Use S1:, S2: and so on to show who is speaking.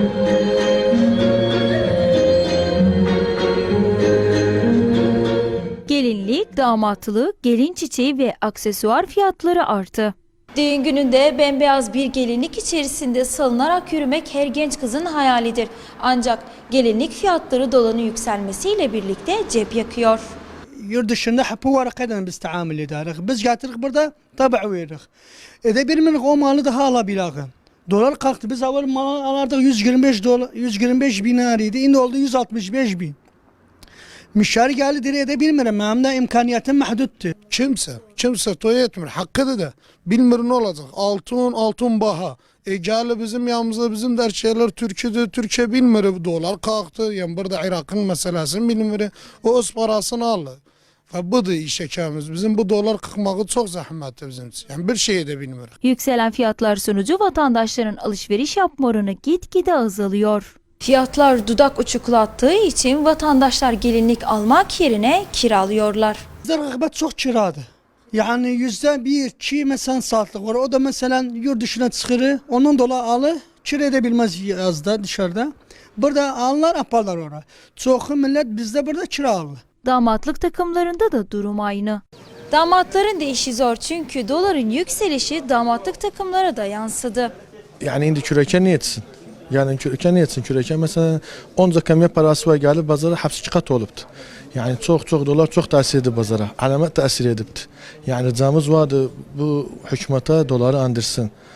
S1: Gelinlik, damatlık, gelin çiçeği ve aksesuar fiyatları arttı. Düğün gününde bembeyaz bir gelinlik içerisinde salınarak yürümek her genç kızın hayalidir. Ancak gelinlik fiyatları doların yükselmesiyle birlikte cep yakıyor.
S2: Yurt dışında hep bu varakadan biz taamül ederiz. Biz getirdik burada tabi veririz. Bir minlik o malı daha alabiliriz. Dolar kalktı. Biz evvel mal alardık 125 dolar, 125 bin arıydı. Şimdi oldu 165 bin. Müşteri geldi diye de bilmiyorum. Benim de imkaniyetim mahduttu.
S3: Kimse toy etmiyor. Hakkıdır da. Bilmiyor ne olacak. Altın baha. Geldi bizim yanımızda bizim der şeyler Türkiye'de. Türkiye bilmiyor. Dolar kalktı. Yani burada Irak'ın meselesini bilmiyor. O öz parasını aldı. Ve bu da iş ekemiz. Bizim bu dolar kalkmağı çok zahmetli bizim için. Yani bir şey de bilmiyoruz.
S1: Yükselen fiyatlar sonucu vatandaşların alışveriş yapma oranı gitgide azalıyor. Fiyatlar dudak uçuklattığı için vatandaşlar gelinlik almak yerine kiralıyorlar.
S2: Bizde rağbet çok kiradı. Yani %1-2 mesela saatlik var. O da mesela yurt dışına çıkırı. Onun dolayı alı kira edebilmez yazda dışarıda. Burada alırlar yaparlar oraya. Çok millet bizde burada kiralı.
S1: Damatlık takımlarında da durum aynı. Damatların da işi zor çünkü doların yükselişi damatlık takımlara da yansıdı.
S4: Yani indi küreken yetsin. Yani küreken yetsin. Küreken mesela 10 kamiye parası var geldi bazara hepsi 2 kat oluptu. Yani çok dolar çok tesir edip bazara. Alamet tesir edipti. Yani ricamız vardı bu hükümete doları andırsın.